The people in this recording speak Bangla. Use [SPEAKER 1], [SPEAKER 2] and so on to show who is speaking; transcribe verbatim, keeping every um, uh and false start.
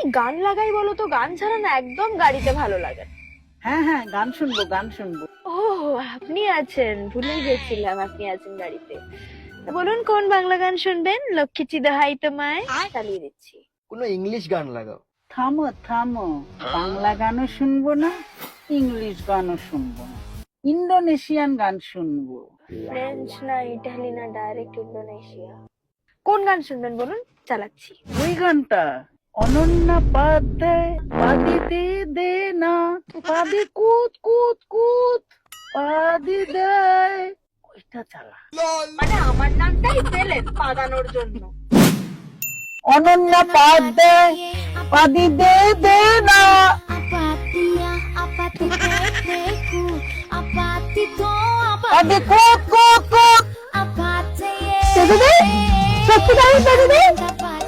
[SPEAKER 1] গান লাগাই বলো তো, গান ছাড়া না একদম গাড়িতে ভালো লাগে না।
[SPEAKER 2] হ্যাঁ হ্যাঁ, গান শুনবো গান শুনবো।
[SPEAKER 1] ও, আপনি আছেন, ভুলে গেছিলাম আপনি আছেন গাড়িতে। তা বলুন কোন বাংলা গান শুনবেন? লক্ষ্মী দোহাই তোমায় চালিয়ে দিচ্ছি।
[SPEAKER 3] কোনো ইংলিশ গান লাগাও।
[SPEAKER 2] থামো থামো, বাংলা গানও শুনবো না, ইংলিশ গানও শুনবো না, ইন্দোনেশিয়ান গান শুনবো।
[SPEAKER 1] ফ্রেঞ্চ না ইটালি না ডাইরেক্ট ইন্দোনেশিয়া। কোন গান শুনবেন বলুন, চালাচ্ছি।
[SPEAKER 2] ওই গানটা, অনন্যা পাধ্যায়, পাদি দে দে না, পাদি কুত কুত কুত, পাদি দেয়, ওইটা চালা।
[SPEAKER 1] মানে আমার নামটাই পেলেন পাগানোর জন্য।
[SPEAKER 2] অনন্যা পাধ্যায়, পাদি দে দে না।
[SPEAKER 4] Apatia, apatiteku, apatito,
[SPEAKER 2] পাদি কুত কুত কুত।
[SPEAKER 4] apatia.
[SPEAKER 1] সত্যি তাই, সত্যি তাই, সত্যি তাই।